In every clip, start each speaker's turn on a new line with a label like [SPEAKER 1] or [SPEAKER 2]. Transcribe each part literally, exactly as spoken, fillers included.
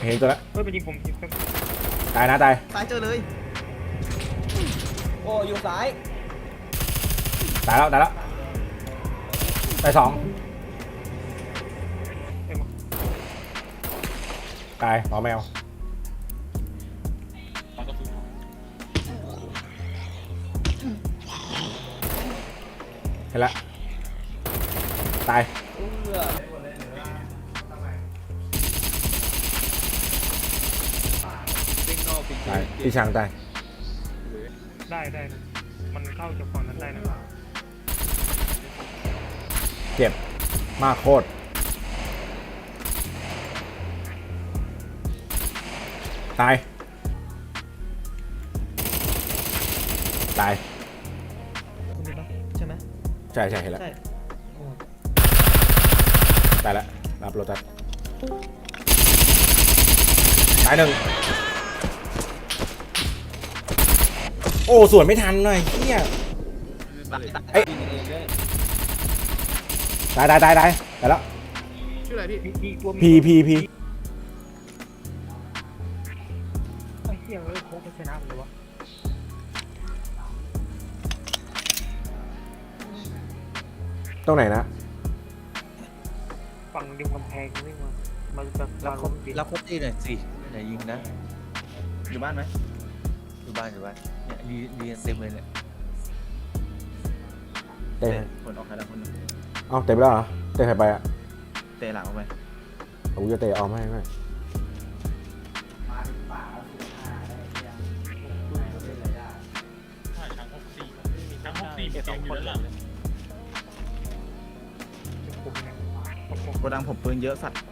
[SPEAKER 1] เห็นตัวละ
[SPEAKER 2] เฮ้ยไปยิงผมยิง
[SPEAKER 1] ตายนะตาย
[SPEAKER 3] ซ้ายเจอเลยโอ้อยู่ซ้าย
[SPEAKER 1] ตายแล้วตายแล้วตายสองตายหมอแมวเห็นละตายตายพี่ช้างตาย
[SPEAKER 2] ได้ได้นะมันเข้าจากฝั่งนั้นได้นะ
[SPEAKER 1] เจ็บมากโคตรตายตาย
[SPEAKER 3] ใช่ไหม
[SPEAKER 1] ใช่ใช่เห็นแล้วตายแล้วรับโรตัสตายหนึ่งโอ้สวนไม่ทันหน่อยเฮียเอ้ยตายตายตายตายตายแล้ว
[SPEAKER 2] ชื่ออะไรพี่
[SPEAKER 1] พีพีพี
[SPEAKER 2] ไอ้เฮียเอ้ยโค้งไปชนะเลยวะ
[SPEAKER 1] ตรงไหนนะ
[SPEAKER 2] ฝั่งริมกำแพงนี่มามันจะ
[SPEAKER 3] รับครบรับครบที่หน่อยสิไหนยิงนะอยู่บ้านไหมอยู่บ้านอยู่บ้านเนี่ยดีดีเต็มเลยเนี่ย
[SPEAKER 1] เตะ
[SPEAKER 3] คนออกใครละคนนึง
[SPEAKER 1] เอาเตะไปแล้วเหรอเตะใครไปอ่ะ
[SPEAKER 3] เตะหลังออกไป
[SPEAKER 1] โอ้ยจะเตะออกไม่ไม่
[SPEAKER 3] โกดังผมปืนเยอะสัตว์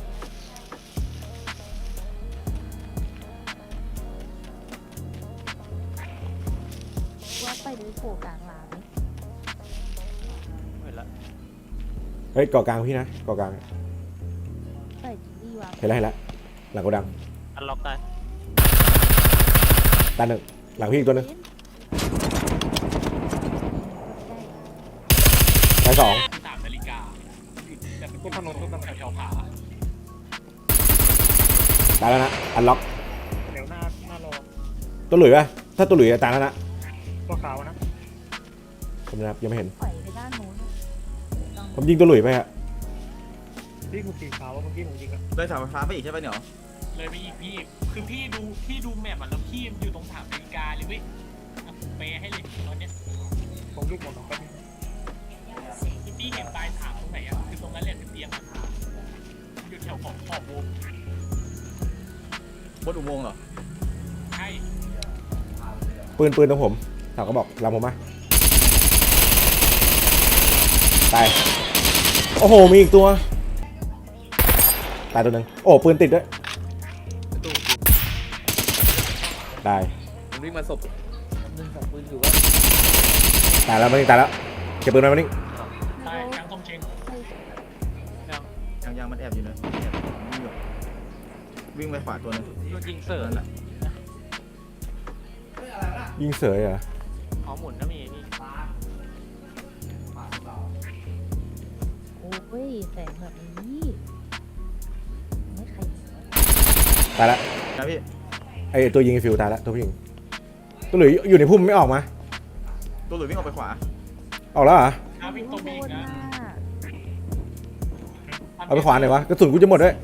[SPEAKER 4] ว่าไปดูโผล่กลางร้าน
[SPEAKER 2] เห็นละ
[SPEAKER 1] เฮ้ยเกาะกลางพี่นะเกาะกลาง
[SPEAKER 4] ไปดีวะ
[SPEAKER 1] เห็นแล้วเห็นแล้วหลังโกดัง
[SPEAKER 2] อันล็อกได้
[SPEAKER 1] ตาหนึ่งหลังพี่อีกตัวนึงตายสอง
[SPEAKER 2] สามนาฬิกาจะเป็นพวกถนนทุกตำแหน่งแถวผา
[SPEAKER 1] ตายแล้วนะอันล็อก
[SPEAKER 2] เดี๋ยวหน้าหน้ารอ
[SPEAKER 1] ตัวหลุยป่ะถ้าตัวหลุยจะตายแล้วนะ
[SPEAKER 2] ตัวขาวนะ
[SPEAKER 1] ผมนะครับยังไม่เห็น
[SPEAKER 4] ปล่อยไปด้านโน้น
[SPEAKER 1] ผมยิงตัวหลุยไปฮะ
[SPEAKER 2] พี่คุณสีขาวเมื่อกี้ผมยิงอะ
[SPEAKER 3] เลยเสาไฟฟ้าไปอีกใช่ไหมเนี่ย
[SPEAKER 5] เลยไปอีกพี่คือพี่ดูพี่ดูแมปอ่ะแล้วพี่อยู่ตรงถามนาฬิกาเลยเว้ยผมเปย์ให้เลยตอนเนี้ย
[SPEAKER 2] ผมลูกหมดแล้วก็
[SPEAKER 5] คือพี่เห็นปลายถามตรงไหนอ่ะคือตรงนั้นแหละเป็นเตียงอ่ะอยู่แถวของขอบวง
[SPEAKER 3] บนอุโมงค์เหรอ
[SPEAKER 5] ใช่
[SPEAKER 1] ปืนปืนตรงผมถามก็บอกลำผมมาตายโอ้โหมีอีกตัวตายตัวหนึ่งโอ้ปืนติดด้วยได้
[SPEAKER 3] ผมวิ่งมาศพนึงสองปืนอยู่ว่า
[SPEAKER 1] ตายแล้วมันตายแล้วเก็บปืนไว้มันนี่
[SPEAKER 5] ตายยังต้องเช็ง
[SPEAKER 3] ยังยังมันแอบอยู่นะวิ่งไปขวาตัวนึง
[SPEAKER 5] ยิงเสือนั่นแหละ
[SPEAKER 1] ยิงเสยเหรอ
[SPEAKER 5] อ๋อหมุนนะมีนี่
[SPEAKER 4] โอ้ยแสงแบบนี้ไม่ใคร
[SPEAKER 1] ตายแล้ว
[SPEAKER 3] นะพี่
[SPEAKER 1] ไอตัวยิงฟิวตายแล้วตัวผู้หญิงตัวหลุยอยู่ในพุ่มไม่ออกมา
[SPEAKER 3] ตัวหลุยวิ่งออกไปขวา
[SPEAKER 1] ออกแล้วเหรอ
[SPEAKER 5] วิ่งตรงนี้นะ
[SPEAKER 1] เอาไปขวาหน่อยวะกระสุนกูจะหมดด้วย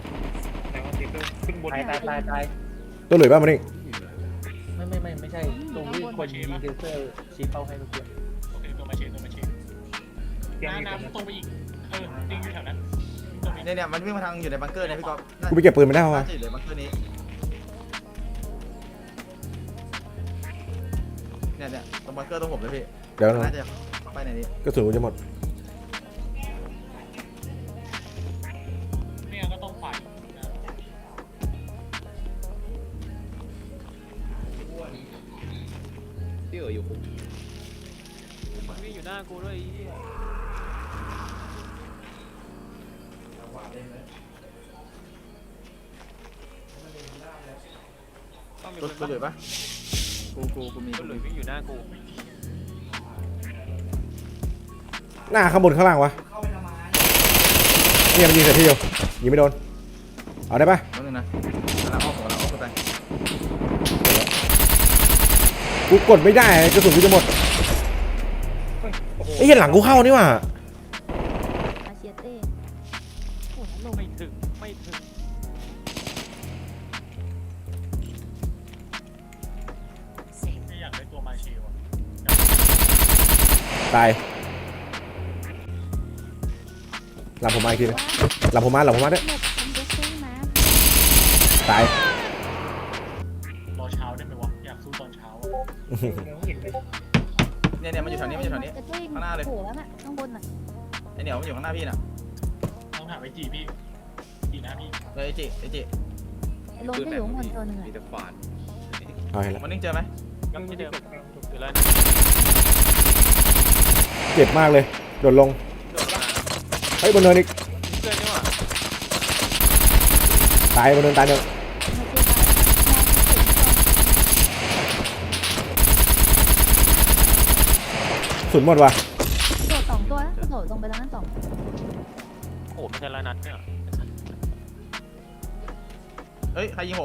[SPEAKER 3] ตายตายตายตาย
[SPEAKER 1] ตัวหลุยป่ะมันนี่
[SPEAKER 3] ไม่ไม่ไม่ไม่ใช่ตรงที่คนยิงเซนเซอร์ชี้เป้าให้เมื่อกี้
[SPEAKER 5] โอเคตัวมาเชนตัวมาเชนน้ำน้ำตรงไปอีกเออจริงอยู่แถวนั้น
[SPEAKER 3] เนี่ยเนี่ยมันวิ่งมาทางอยู่ในบังเกอร์นะพี่ก๊อฟ
[SPEAKER 1] กูไปเก็บปืนไม่ได้วะ
[SPEAKER 3] อยู่ในบังเกอร์นี้เนี่ยเนี่ยตรงบังเกอร์ตรงผมเลยพี่
[SPEAKER 1] เดี๋ยว
[SPEAKER 3] น่าจะไปไหนนี้
[SPEAKER 1] กระสุนกูจะหมด
[SPEAKER 5] เนี่ยก็ต้องฝ่าย
[SPEAKER 3] ที่เอออยู่ผม
[SPEAKER 5] วิ่งอยู่หน้ากูด้วย
[SPEAKER 3] รถรถเลยปะกูกูกูมี
[SPEAKER 5] รถเลยวิ่งอยู่หน้ากู
[SPEAKER 1] หน้าข้างบนข้างล่างวะเนี่ยมันยิงใส่พี่อยู่ยิงไม่โดนเอาได้ปะ
[SPEAKER 3] นั่นนะกำลังอ้อมผมกำลังอ้อมขึ้นไป
[SPEAKER 1] กูกดไม่ได้กระสุนกูจะหมด
[SPEAKER 2] เฮ้ยโอ้โห
[SPEAKER 1] ไอ้เหี้ยหลังกูเข้านี่หว่า
[SPEAKER 4] อาเชียเต้โอ้โหลง
[SPEAKER 5] ไม่ถึงไม่ถึงไม่อยากได้ตัวมาเชลอะ
[SPEAKER 1] ตายหลังผมมาอีกทีนึงหลังผมมาหลังผมมาด้วย
[SPEAKER 4] เน็ตคอมเดสเซอร์มา
[SPEAKER 1] ตาย
[SPEAKER 5] รอเช้าได้ไหมวะอยากสู้ตอนเช้าอะ
[SPEAKER 2] เดี๋ยวเห็นเลย
[SPEAKER 3] เนี่ยเนี่ยมันอยู่แถวนี้มันอยู่แถวนี้
[SPEAKER 4] จะช่วย
[SPEAKER 3] ข้างหน้าเลย
[SPEAKER 4] โผล่แล้วน่ะข้างบนน่ะ
[SPEAKER 3] ไอเหนียวมันอยู่ข้างหน้าพี่น่ะ
[SPEAKER 5] ต้องถามไอจีพี่จีนะพี่
[SPEAKER 3] เฮ้ยไอจิไอจิ
[SPEAKER 4] ไอ้ลงก็อยู่ข้างบนตัวหนึ่งอะ
[SPEAKER 3] มีแต่ขวาน
[SPEAKER 1] เอาเห็นแล้ว
[SPEAKER 3] มันนิ่งเจอไหม
[SPEAKER 5] ยังที่เดิมอยู่แล้ว
[SPEAKER 1] เจ็บมากเลยโดดลง
[SPEAKER 3] โดดละ
[SPEAKER 1] เฮ้ยบนเนินอีก
[SPEAKER 3] เพื่อนนี่หว่า
[SPEAKER 1] ตายบนเนินตายเนิน
[SPEAKER 4] มาเจอกัน
[SPEAKER 1] สุดหมดว่ะ
[SPEAKER 4] โดดสองตัวนะโดดลงไปแล้วนั่นสอง
[SPEAKER 5] โอ้ไม่ใช่ละนัดเนี่ย
[SPEAKER 3] เฮ้ยใครยิงผม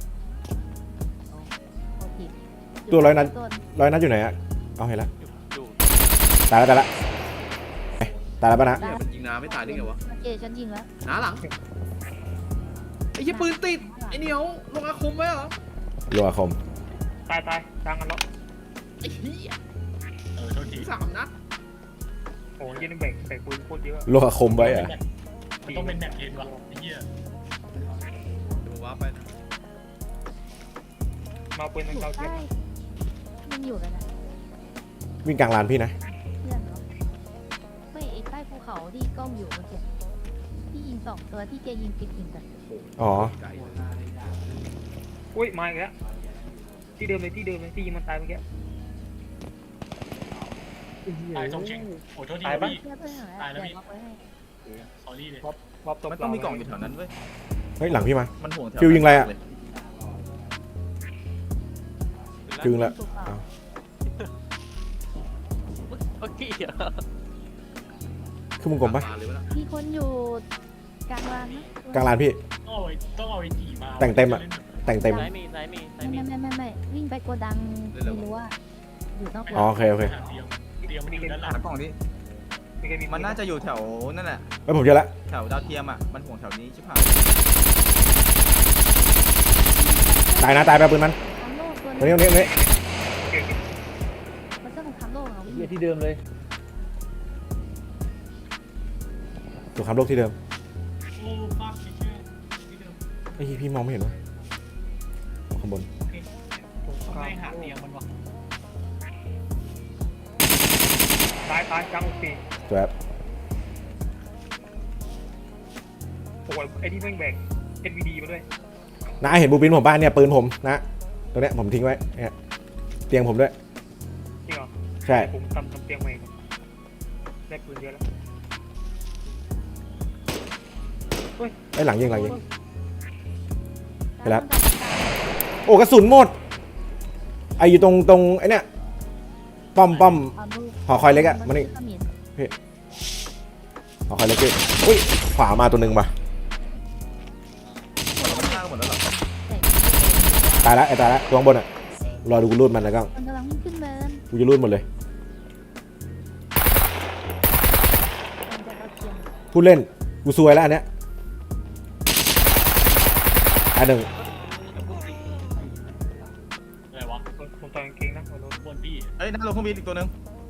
[SPEAKER 4] โอเค
[SPEAKER 1] ตัวร้อยนัด
[SPEAKER 4] ตัว
[SPEAKER 1] ร้อยนัดอยู่ไหนอะเอาเห็นแล้ว
[SPEAKER 5] อยู่
[SPEAKER 1] ตายแล้วตายแล้วเอ๊ะตายแล้วปะนะ
[SPEAKER 3] เนี่ยมันยิงน้าไม่ตายได้ไงวะ
[SPEAKER 4] โอเคฉันยิงแล้ว
[SPEAKER 3] น้าหลังไอ้ยี่ปืนติดไอ้เหนียวลงอาคมไว้เหรอ
[SPEAKER 1] รัวคม
[SPEAKER 2] ตายตายกลางกันแล้ว
[SPEAKER 3] ไอ้เหี้ย
[SPEAKER 5] เออโทษที
[SPEAKER 3] สามนัด
[SPEAKER 2] โอ้ยยิงแบ่งแบ่งปืนโคตรเยอะ
[SPEAKER 1] รัวคมไว้อะ
[SPEAKER 5] มันต้องเป็นแบบเทนวะไอ้เหี้ย
[SPEAKER 3] เดี๋ยวว้าไปนะ
[SPEAKER 2] มาปืนทาง
[SPEAKER 4] อยู่
[SPEAKER 2] เกาเทีย
[SPEAKER 4] ใต้
[SPEAKER 2] ม
[SPEAKER 4] มันอยู่กันนะ
[SPEAKER 1] วิ่งกลางลานพี่นะ
[SPEAKER 4] เพื่อนเหรอไม่ไอ้ใต้ภูเขาที่กล้องอยู่เมื่อกี้ที่ยิงสองตัวที่แกยิงปิดยิงกัน
[SPEAKER 1] อ๋อ
[SPEAKER 3] ไก่
[SPEAKER 2] อุ้ยมาอีกแล้วที่เดิมเลยที่เดิมเลยที่ยิงมันตายเมื่อกี้
[SPEAKER 5] ตายตรงเช็งโอ้โทษที
[SPEAKER 2] ตายปะ
[SPEAKER 5] พี่
[SPEAKER 4] เพื่อนเพื่อนเหรอ
[SPEAKER 5] ตายแล้วพี่
[SPEAKER 4] เดี๋ยวเอาไปให้
[SPEAKER 5] สอรี่เลย
[SPEAKER 2] รอบตัว
[SPEAKER 3] มันต้องมีกล่องอยู่แถวนั้นเว้ย
[SPEAKER 1] เฮ้ยหลังพี่มา
[SPEAKER 3] มันห่วงแถว
[SPEAKER 1] ฟิวยิงอะไรอะ
[SPEAKER 3] เลย
[SPEAKER 1] จึงละ
[SPEAKER 4] ถูกเปล่า
[SPEAKER 1] อ้าว
[SPEAKER 5] โอเค
[SPEAKER 1] คือมึงกลมปะ
[SPEAKER 3] าเลยวะน่ะ
[SPEAKER 4] มีคนอยู่กลางลานนะ
[SPEAKER 1] กลางลานพี่
[SPEAKER 5] ต้องเอาไอ้ต้องเอาไอ้จีมา
[SPEAKER 1] แต่งเต็มอะ แต่งเต็ม
[SPEAKER 5] ซ้ายมีซ้ายมีซ้ายมี
[SPEAKER 4] ไม่ไม่ไม่ไม่วิ่งไปโกดังไม่รู้ว่าอยู่นอก
[SPEAKER 1] อ๋อโอเคโอเค
[SPEAKER 5] เตรียมเตรียมมันอยู่ด้านหลัง
[SPEAKER 3] หากล่องดิ
[SPEAKER 2] มีใครมี
[SPEAKER 3] มันน่าจะอยู่แถวนั่นแหละ
[SPEAKER 1] เฮ้ยผมเจอละ
[SPEAKER 3] แถวดาวเทียมอ่ะมันห่วงแถวนี้ชิบหาย
[SPEAKER 1] ตายนะตายไปปืนมัน
[SPEAKER 4] ทำโลกตัว
[SPEAKER 1] ตรงนี้ตรงนี้ตรงนี้
[SPEAKER 4] มันจะของทำโลกเหรอ
[SPEAKER 6] เหี้ยที่เดิมเลย
[SPEAKER 1] สงครามโลกที่เดิม
[SPEAKER 5] โอ้ฟักเชื่อที่เดิม
[SPEAKER 1] ไอ้ยพี่มองไม่เห็นวะข้างบน
[SPEAKER 5] ต้องไล่หาเตียงมันวะ
[SPEAKER 2] ตายตายกลางโอเค
[SPEAKER 1] ตัวแอป
[SPEAKER 2] โอ้ยไอ้ที่แม่งแบ่ง เอ็น วี ดี มาด้วย
[SPEAKER 1] น้าเห็นบูปินผมบ้านเนี่ยปืนผมนะตรงเนี้ยผมทิ้งไว้เนี่ยเตียงผมด้วย
[SPEAKER 2] จริงเหรอ
[SPEAKER 1] ใช่
[SPEAKER 2] ผมทำทำเตียงใหม่ก่อนได้ปืนเยอะแล้ว
[SPEAKER 1] ไอ้ยหลังยิงหลังยิง ไปแล้ว
[SPEAKER 4] ว
[SPEAKER 1] โอ้กระสุนหมดไออยู่ตรงตรงไอเนี้ยป้อมป้อมหอคอยเล็กอะมันนี่หอคอยเล็กพี่อุ้ยขวามาตัวหนึ่งป่ะ
[SPEAKER 3] หมดแล้วมันฆ่าหมดแล้วเหรอ
[SPEAKER 1] ตายแล้วไอ้ตายแล้วตัวข้างบนอะรอดูกูรูดมันแล้วก็
[SPEAKER 4] มันกำลังวิ่งขึ้นเนิน
[SPEAKER 1] กูจะรูดหมดเลย
[SPEAKER 4] มันจะเอาเทียม
[SPEAKER 1] พูดเล่นกูซวยแล้วอันเนี้ยอันหนึ่ง
[SPEAKER 5] อะไรวะ
[SPEAKER 2] ผมผมต่อยกางเกงนะหัวโล้น
[SPEAKER 5] บนพี่
[SPEAKER 3] เอ้ยนั่งลงเครื่องบินอีกตัวหนึง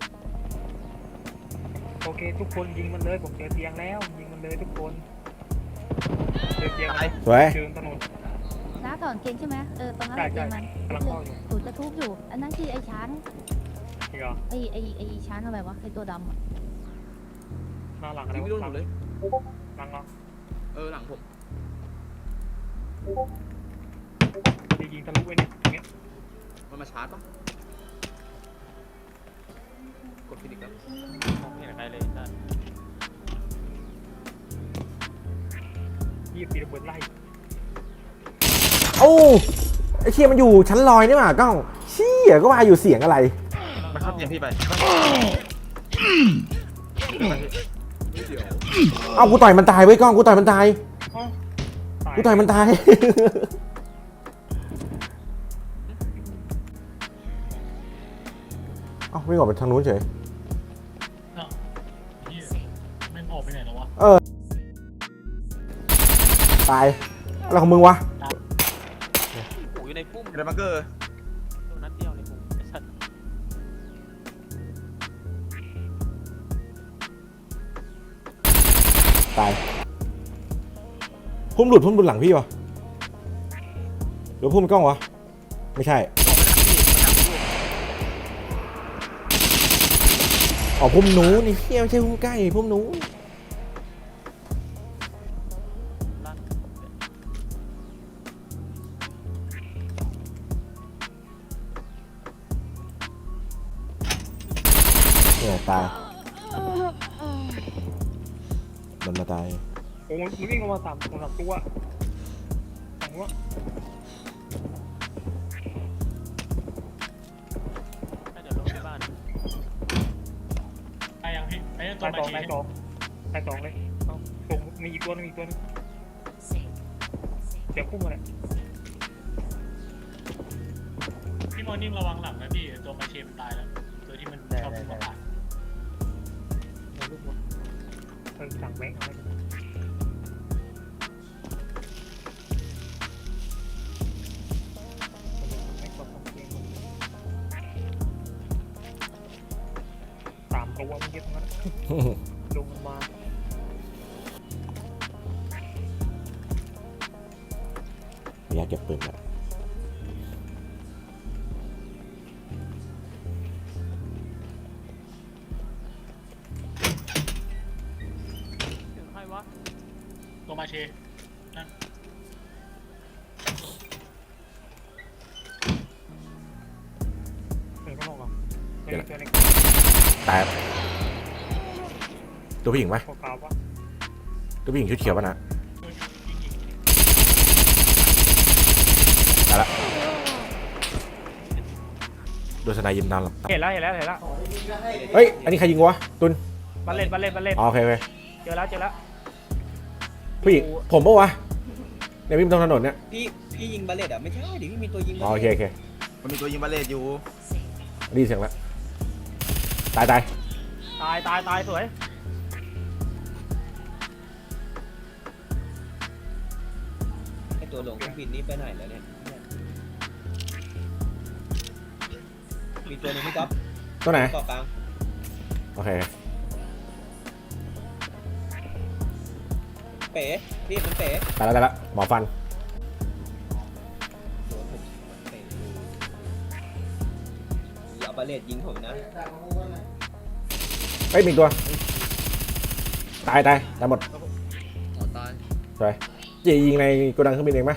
[SPEAKER 2] โอเคทุกคนยิงมันเลยผมเจอเตียงแล้วยิงมันเลยทุกคนเจอเตียง
[SPEAKER 3] ตาย
[SPEAKER 1] สวย
[SPEAKER 2] เจอถนน
[SPEAKER 4] น้าถอนเกงใช่ไหมเออตรงนั้น
[SPEAKER 2] ใช่
[SPEAKER 4] เก
[SPEAKER 2] ใช่
[SPEAKER 4] งมัน
[SPEAKER 2] กำลังเข้าอยู่
[SPEAKER 4] ถูจะทุบอยู่ อันนั้นคือไอ้ช้าง
[SPEAKER 2] จริงเหรอ
[SPEAKER 4] ไอ้ไอ้ไอ้ช้างอะไรวะไอ้ตัวดำอะ
[SPEAKER 2] หน้าหลังอะไร
[SPEAKER 3] ยิงไม่โดน
[SPEAKER 2] ห
[SPEAKER 3] ผ
[SPEAKER 2] ลั
[SPEAKER 3] ม
[SPEAKER 2] ง
[SPEAKER 3] เลย
[SPEAKER 2] หลังหลัง
[SPEAKER 3] เออหลังผม
[SPEAKER 2] จะยิงทะลุไว้เนี่ยอย่างเงี้ย
[SPEAKER 3] มันมาชาร์จปะกดฟินิกแล้ว
[SPEAKER 5] มองไม่เห็นใครเลยได้
[SPEAKER 2] ยี่สิบปีระเบิดไล่
[SPEAKER 1] โอ้ไอเชียมันอยู่ชั้นลอยนี่หว่ากล้องเชี่ยก็ว่าอยู่เสียงอะไร
[SPEAKER 3] มันเข้าเตียงพี่ไป
[SPEAKER 1] เอากูต่อยมันตายไว้ยกล้องกูต่อยมันตาย
[SPEAKER 2] อ๋อตาย
[SPEAKER 1] กูต่อยมันตาย เอ้าวิ่งออกไปทางนู้นเฉย
[SPEAKER 5] เนาะเหี้ยแม่งออกไปไหนแล้ววะ
[SPEAKER 1] ตายอะไรของมึงวะ
[SPEAKER 6] โอ้ยอยู่ในพุ่ม
[SPEAKER 3] เดบังเกอร์
[SPEAKER 6] ตัวนั้นเดียวในพุ่มไอ้สัตว์
[SPEAKER 1] ตายพุ่มหลุดพุ่มหลุดหลังพี่วะหรือพุ่มกล้องวะไม่ใช่อ๋อพุ่มหนูนี่เฮียไม่ใช่พุ่มใกล้พุ่มหนู
[SPEAKER 6] ลั่น
[SPEAKER 1] เนี่ยตายมันมาตาย
[SPEAKER 2] โอ้ยมันวิ่งลงมาสามสามตัวสองตัว
[SPEAKER 6] น่าจะลงที่บ้าน
[SPEAKER 5] ตายยังพี่ไอ้ตัว
[SPEAKER 2] ตาย
[SPEAKER 5] มา
[SPEAKER 2] สอง
[SPEAKER 5] เช
[SPEAKER 2] ตายสองตายสองเลยเอาส่งมีอีกตัวนึงมีอีกตัวนึงเสียงพุ่งมาเลย
[SPEAKER 5] พี่มอร์นิ่งระวังหลังนะพี่ตัวมาเชมันตายแล้วตัวที่มันชอบพุ่งมาตาย
[SPEAKER 2] เอาลูกหมดเออสั่งแบงค์เอาไว้สามตัวมันเยอะทั้งนั้นลงมา
[SPEAKER 1] อยากเก็บปืนแล้ว
[SPEAKER 6] ถึงใครวะ
[SPEAKER 5] ตัวมาเชนั่น
[SPEAKER 2] เออข้างนอกเหรอเจอตัวเล็ก
[SPEAKER 1] ตายตัวผู้หญิงไหม
[SPEAKER 2] ขาวๆวะ
[SPEAKER 1] ตัวผู้หญิงชุดเขียวป่ะนะ
[SPEAKER 5] ตัวยิงยิง
[SPEAKER 1] ตายละโดนสไนยิมนานหรอ
[SPEAKER 2] เห็นแล้วเห็นแล้วเห็นแล้ว
[SPEAKER 1] เฮ้ยอันนี้ใครยิงวะตุน
[SPEAKER 2] บัลเล่บัลเล่บัลเล่
[SPEAKER 1] อ๋อโอเคโอเค
[SPEAKER 2] เจอแล้วเจอแล้ว
[SPEAKER 1] ผู้หญิงผมปะวะเนี่ยวิ่งตรงถนนเนี่ย
[SPEAKER 7] พี่พี่ยิงบาเลตอ่ะไม่ใช่ดิพี่มีตัวยิง
[SPEAKER 1] อ๋อโอเคโอเค
[SPEAKER 3] มันมีตัวยิงบาเลตอยู่
[SPEAKER 1] ได้ยินเสียงแล้วตายตาย
[SPEAKER 2] ตายตายตายสวย
[SPEAKER 7] ไอตัวหลงเครื่องบินนี่ไปไหนแล้วเนี่ยมีตัวหนึงพี่ก๊อฟ
[SPEAKER 1] ตัวไหน
[SPEAKER 7] เกาะกลาง
[SPEAKER 1] โอเค
[SPEAKER 7] เป๋พี่มันเป๋
[SPEAKER 1] ตายแล้วตายแล้วหมอฟัน
[SPEAKER 7] โดนผมเป๋ดูอย่าเอาบาเลตยิงผมนะ
[SPEAKER 1] เฮ้ยมีอีกตัวตายตายตายหมด
[SPEAKER 3] อ๋อตาย
[SPEAKER 1] สวยจียิงในโกดังเครื่องบินเองไหม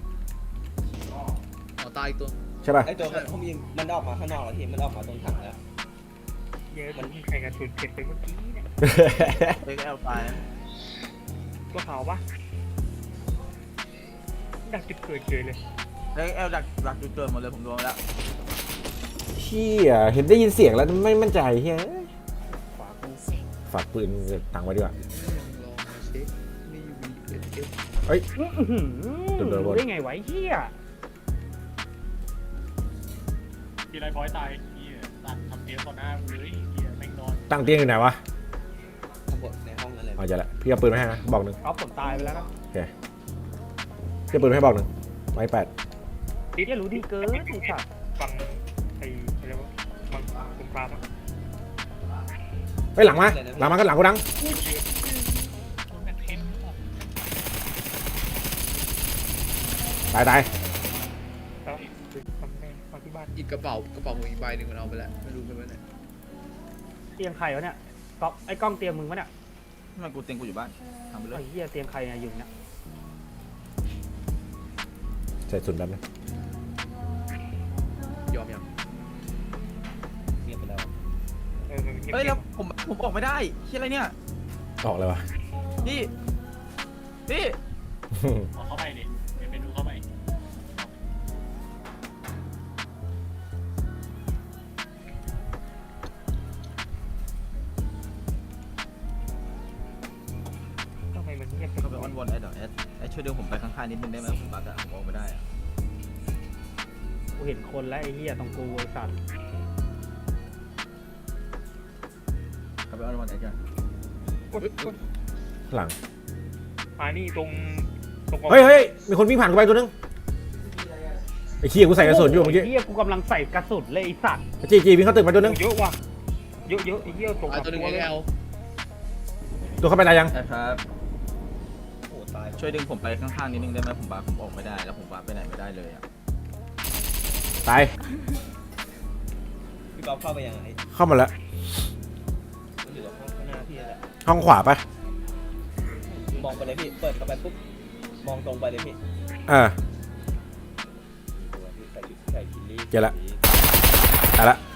[SPEAKER 3] อ๋อตายอีกตัว
[SPEAKER 1] ใช่ป่ะ
[SPEAKER 7] ไอตัวผมยิงมันออกมาข้างนอกแล้วทีมันออกมาตรงถังแล้ว
[SPEAKER 2] เยอะมันใครกันสุดเก็บไปเมื่อกี้เนี่ย
[SPEAKER 3] เอ็กแอลตายนะ
[SPEAKER 2] ตัวขาวปะดักจุดเกิดเฉยเลย
[SPEAKER 3] เอ็กแอลดักดักจุดเกิดหมดเลยผมโดนแล้ว
[SPEAKER 1] เชี่ยเห็นได้ยินเสียงแล้วไม่มั่นใจเฮ้ยฝากปืนตังไว้ดีกว่าเฮ้ย โดนโดน
[SPEAKER 2] รู้ได้ไงวะไอ้เฮีย
[SPEAKER 5] ทีไรพอยตายเฮียตัดทำเตียงต่อหน้ากูเลยเฮียแม่งนอน
[SPEAKER 1] ตั้งเตียงอยู่ไหนวะ
[SPEAKER 7] ข้างบนในห้องนั่นเลย
[SPEAKER 1] อ๋อเจะละพี่เอาปืนมาให้นะบอกหนึ่ง
[SPEAKER 2] เอาผมตายไปแล้วนะ
[SPEAKER 1] โอเคพี่เอาปืนมาให้บอกหนึ่งไม้แปด
[SPEAKER 2] ติดเนี่ยรู้ดีเกินไอ้สัตว์ฟังไอ้อะไรวะฟังสงครามอะ
[SPEAKER 1] เฮ้ยหลังมาหลังมาก็หลังกูดัง
[SPEAKER 5] โอ้ยเยอะโดนแบบเทนออก
[SPEAKER 1] ตายตาย
[SPEAKER 2] แล้วทำไงมาที่บ้าน
[SPEAKER 8] อีกกระเป๋ากระเป๋าผมอีกใบหนึ่งมันเอาไปแล้วไม่รู้ไปไหน
[SPEAKER 2] เตียงใครวะเนี่ยก๊อฟไอ้กล้องเตียงมึงวะเนี่ย
[SPEAKER 3] ทำไมกูเต็งกูอยู่บ้านทำไปเล
[SPEAKER 2] ไอ้
[SPEAKER 3] ย
[SPEAKER 2] เหี้ยเตียงใครเนี่ยอยู่เนี่ย
[SPEAKER 1] ใส่สุดแบบนี้
[SPEAKER 8] ยอมยัง
[SPEAKER 7] เงียบไปแล้ว
[SPEAKER 2] เออมันเงียบ
[SPEAKER 3] เฮ้ย
[SPEAKER 2] ๆ
[SPEAKER 3] แล้วผมผมออกไม่ได้เชี่ยอะไรเนี่ย
[SPEAKER 1] ออกเลยวะ
[SPEAKER 3] พี่พี่
[SPEAKER 5] เอาเข้าไปดิเดี๋ยวไปดูเข้าไป
[SPEAKER 2] ทำไมมันเงียบ
[SPEAKER 3] เขาไปอ้อนวอนแอดเดี๋ยวแอดแอดช่วยดึงผมไปข้านิดนึงได้ไหมผมบักอะผมออกไม่ได้อะ
[SPEAKER 2] กูเห็นคนแล้วไอ้เหี้ยตรงกูไอ้สัตว์
[SPEAKER 3] เอาไปเอารางวัลไหนกัน
[SPEAKER 1] หลัง
[SPEAKER 2] มานี่ตรงตรง
[SPEAKER 1] เฮ้ยเฮ้ยมีคนวิ่งผ่านกูไปตัวนึงไอ้เหี้ยกูใส่กระสุนอยู่เมื่อกี้
[SPEAKER 2] ไเหี้ยกูกำลังใส่กระสุนเลยไอ้สัตว์
[SPEAKER 1] จีจีวิ่งเข้าตึกไปตัวนึง
[SPEAKER 2] เยอะว่ะเยอะเยอะไอ้เหี้ยตก
[SPEAKER 8] ตายตัวหนึ่ง
[SPEAKER 2] เล
[SPEAKER 8] เอย ล
[SPEAKER 1] ตัวเข้าไปตายยัง
[SPEAKER 3] ครับ
[SPEAKER 7] โอ้ตาย
[SPEAKER 3] ช่วยดึงผมไปข้างๆนิดนึงได้ไหมผมบักผมออกไม่ได้แล้วผมบักไปไหนไม่ได้เลยอะ
[SPEAKER 1] ตาย
[SPEAKER 7] พี่ก๊อฟเข้าไปยังไง
[SPEAKER 1] เข้ามาแล้ว
[SPEAKER 7] มันอยู่ตรงห้องข้างหน้าพี่แหละ
[SPEAKER 1] ห้องขวาไป
[SPEAKER 7] มองไปเลยพี่เปิดเข้าไปปุ๊บมองตรงไปเลยพี่
[SPEAKER 1] อ่า
[SPEAKER 7] ใส่ชุดใส่คิลลี่
[SPEAKER 1] เจอละ ตายละ